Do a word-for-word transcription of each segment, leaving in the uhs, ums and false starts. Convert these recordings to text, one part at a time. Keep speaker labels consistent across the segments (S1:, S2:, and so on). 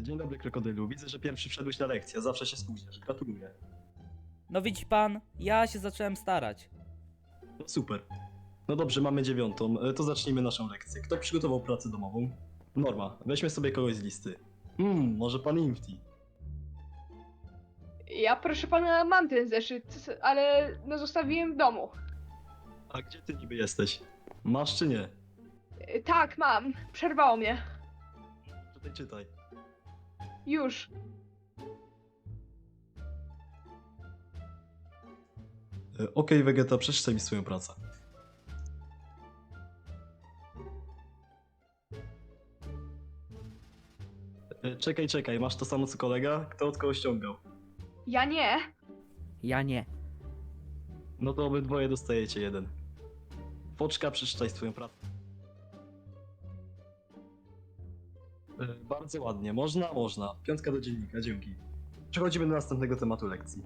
S1: Dzień dobry, krokodylu. Widzę, że pierwszy wszedłeś na lekcję. Zawsze się spóźniasz. Gratuluję.
S2: No widzi pan, ja się zacząłem starać.
S1: No super. No dobrze, mamy dziewiątą. E, To zacznijmy naszą lekcję. Kto przygotował pracę domową? Norma, weźmy sobie kogoś z listy. Hmm, może pan Infti.
S3: Ja, proszę pana, mam ten zeszyt, ale no zostawiłem w domu.
S1: A gdzie ty niby jesteś? Masz czy nie?
S3: Y, Tak, mam. Przerwało mnie.
S1: Czytaj, czytaj.
S3: Już.
S1: E, Okej, Vegeta, przeczytaj mi swoją pracę. E, Czekaj, czekaj, masz to samo co kolega? Kto od kogo ściągał?
S3: Ja nie.
S2: Ja nie.
S1: No to obydwoje dostajecie jeden. Foczka, przeczytaj swoją pracę. E, Bardzo ładnie, można, można. Piątka do dziennika, dzięki. Przechodzimy do następnego tematu lekcji.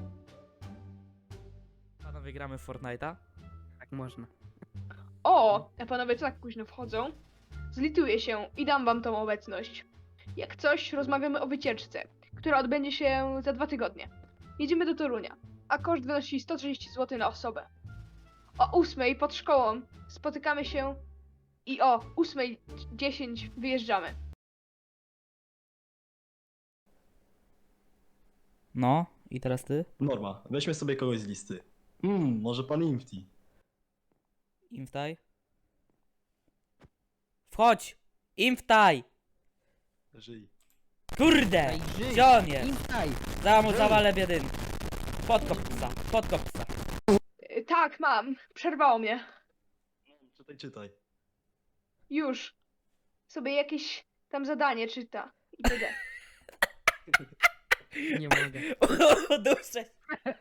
S2: Panowie, gramy w Fortnite'a?
S4: Tak można.
S3: O, a panowie co tak późno wchodzą? Zlituję się i dam wam tą obecność. Jak coś, rozmawiamy o wycieczce, która odbędzie się za dwa tygodnie. Jedziemy do Torunia, a koszt wynosi sto trzydzieści złotych na osobę. O ósmej pod szkołą spotykamy się i o ósmej dziesięć wyjeżdżamy.
S2: No, i teraz ty?
S1: Norma, weźmy sobie kogoś z listy. Hmm, może pan Infti.
S2: Imftaj. Wchodź! Imftaj!
S1: Żyj.
S2: Kurde!
S4: Daj, żyj.
S2: Gdzie on jest?
S4: Instaj!
S2: Za mu
S4: Żyj.
S2: zawalę biedyn. Podkop psa, podkop psa.
S3: Y, Tak, mam. Przerwało mnie.
S1: Czytaj, czytaj.
S3: Już. Sobie jakieś tam zadanie czyta. I tyle.
S4: Nie mogę.
S2: Uduszę się.